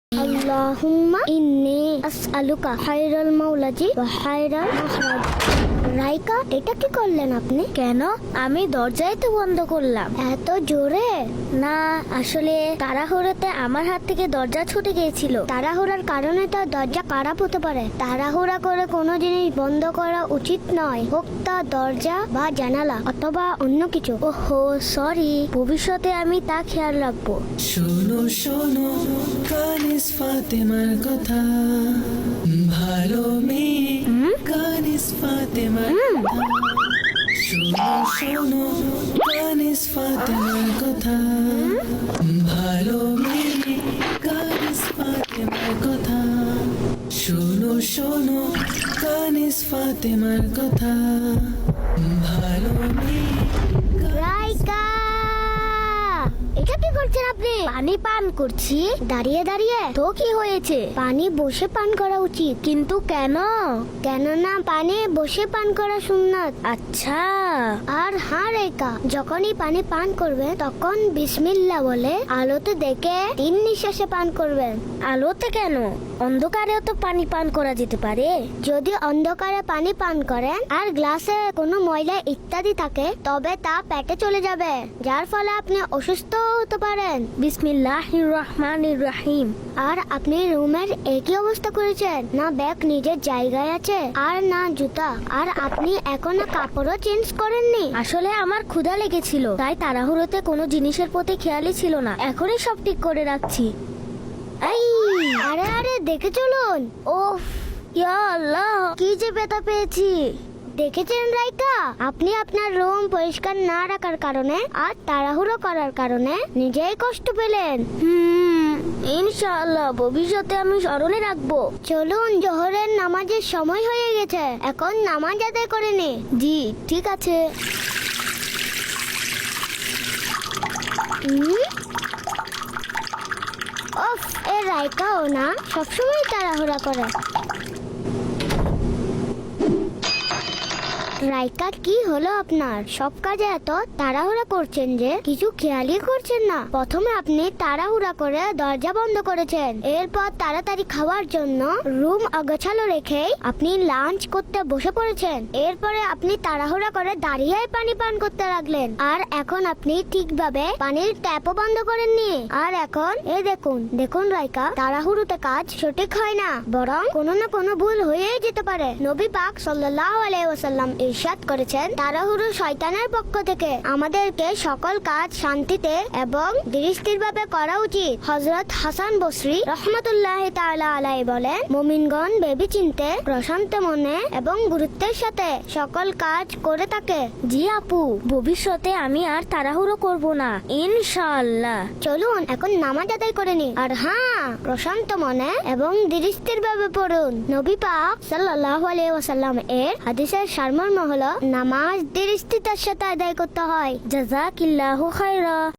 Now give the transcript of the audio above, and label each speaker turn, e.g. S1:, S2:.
S1: আল্লাহুম্মা ইন্নী আসআলুকা খায়রাল মাওলাজি ওয়া খায়রাল মাখরাজ। রাইকা, এটা কি করলেন আপনি? কেন? আমি দরজাই তো বন্ধ করলাম। এত জোরে? না, আসলে তাড়াহুড়োতে আমার হাত থেকে দরজা ছুটে গিয়েছিল। তাড়াহুড়ার কারণে তো দরজা খারাপ হতে পারে। তাড়াহুড়া করে কোনো জিনিস বন্ধ করা উচিত নয়, হোক তা দরজা বা জানালা অথবা অন্য কিছু। ওহো, সরি, ভবিষ্যতে আমি তা খেয়াল রাখবো।
S2: শোনো শোনো কানিস ফাতেমার কথা, ভালো মেয়ে কানিস ফাতেমার কথা। শোনো শোনো কানিস ফাতেমার কথা, ভালো মেয়ে কানিস ফাতেমার কথা। শোনো শোনো কানিস ফাতেমার কথা, ভালো মেয়ে।
S1: রাইকা, এটা কি করছেন আপনি? পানি পান করছি দাঁড়িয়ে দাঁড়িয়ে। তো কি হয়েছে? পানি বসে পান করা উচিত। কিন্তু কেন? কেননা পানি বসে পান করা সুন্নাত। আচ্ছা। আর হ্যাঁ রাইকা, যখনই পানি পান করবেন তখন বিসমিল্লাহ বলে আলোতে দেখে 3 নিঃশ্বাসে পান করবেন। আলোতে কেন? অন্ধকারেও তো পানি পান করা যেতে পারে। যদি অন্ধকারে পানি পান করেন আর গ্লাসে কোনো ময়লা ইত্যাদি থাকে, তবে তা পেটে চলে যাবে, যার ফলে আপনি অসুস্থ হতে পারেন। বিসমিল্লাহির রহমানির রহিম। আর আপনি রুমের একই অবস্থা করেছেন, না ব্যাগ নিজের জায়গায় আছে আর না জুতা। আর আপনি এখনো কাপড়ও চেঞ্জ করেননি। আসলে আমার ক্ষুধা লেগেছিল, তাই তাড়াহুড়োতে কোনো জিনিসের প্রতি খেয়ালই ছিল না। এখনই সব ঠিক করে রাখছি। এই, আরে আরে দেখে চলুন। ওফ, ইয়া আল্লাহ, কি যে ব্যথা পেয়েছি। দেখেছেন রাইকা, আপনি আপনার রুম পরিষ্কার না রাখার কারণে আর তাড়াহুড়ো করার কারণে নিজেই কষ্ট পেলেন। ইনশাআল্লাহ ভবিষ্যতে আমি স্মরণে রাখবো। চলুন, জোহরের নামাজের সময় হয়ে গেছে, এখন নামাজ আদায় করে নে। জি ঠিক আছে। ওফ, এ রাইকাও না সবসময় তাড়াহুড়া করে। রাইকা, কি হলো আপনার? সব কাজে এত তাড়াহুড়া করছেন যে কিছু খেয়ালই করছেন না। প্রথমে আপনি তাড়াহুড়া করে দরজা বন্ধ করেছেন, এরপর তাড়াতাড়ি খাওয়ার জন্য রুম অগোছালো রেখে আপনি লাঞ্চ করতে বসে পড়েছেন। এরপরে আপনি তাড়াহুড়া করে দাঁড়িয়ে পানি পান করতে লাগলেন। আর এখন আপনি ঠিকভাবে পানির ট্যাপও বন্ধ করেননি। আর এখন দেখুন দেখুন রাইকা, তাড়াহুড়োতে কাজ সঠিক হয় না, বরং কোনো না কোনো ভুল হয়েই যেতে পারে। নবী পাক সাল্লাল্লাহু আলাইহি ওয়াসাল্লাম ইরশাদ করেছেন, তাড়াহুড়ো শয়তানের পক্ষ থেকে। আমাদেরকে সকল কাজ শান্তিতে এবং ধীরস্থিরভাবে করা উচিত। হযরত হাসান বসরি রাহমাতুল্লাহি তাআলা আলাইহি বলেন, মুমিনগণ ভেবেচিন্তে প্রশান্ত মনে এবং গুরুত্বের সাথে সকল কাজ করে থাকে। জি আপু, ভবিষ্যতে আমি আর তাড়াহুড়ো করব না ইনশাআল্লাহ। চলুন এখন নামাজ আদায় করে নি। আর হ্যাঁ, প্রশান্ত মনে এবং ধীরস্থিরভাবে পড়ুন। নবী পাক সাল্লাল্লাহু আলাইহি ওয়াসাল্লাম এর হাদিসের সারমর্ম হলো, নামাজ ধীরস্থিরতার সাথে আদায় করতে হয়। জাযাকিল্লাহু খায়রা।